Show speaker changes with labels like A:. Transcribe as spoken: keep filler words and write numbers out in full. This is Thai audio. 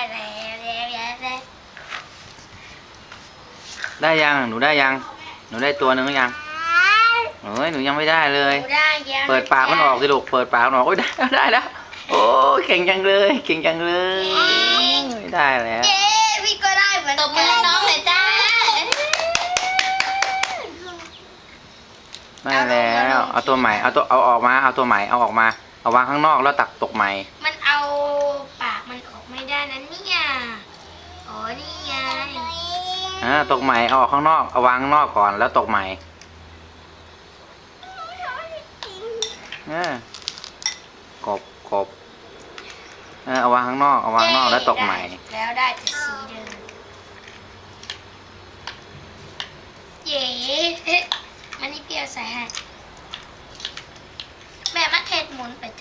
A: แล้วแล้วแล้วแล้ว
B: ได้ยังหนูได้ยังหนูได้ตัวหนึ่งหรือยังเฮ้ยหนูยังไม่ได้เลย
A: หนูได้แล้ว
B: เปิดปากมันออกสิลูกเปิดปากมันออกโอ้ยได้แล้วได้แล้วโอ้ยเก่งจังเลยเก่งจังเลยได้แล้ว
A: เย้พี่ก็ได้เหมือน
C: ตบมือให้น้องหน่อยจ้า
B: ได้แล้วเอาตัวใหม่เอาตัวเอาออกมาเอาตัวใหม่เอาออกมาเอาวางข้างนอกแล้วตักตกใหม่
A: มันเอาปากมันออกไม่ได้นะเนี่ยอ๋อนี่ไง
B: อ่าตกใหม่เอาออกข้างนอกเอาวางข้างนอกก่อนแล้วตกใหม่อ่ากบกบเออเอาวางข้างนอกเอาวางข้างนอกแล้วตกใหม่
A: แล้วได้แต่สีเดิมเย้มันนี่เปรี้ยวใส่ให้แม่มันเทศหมุนไป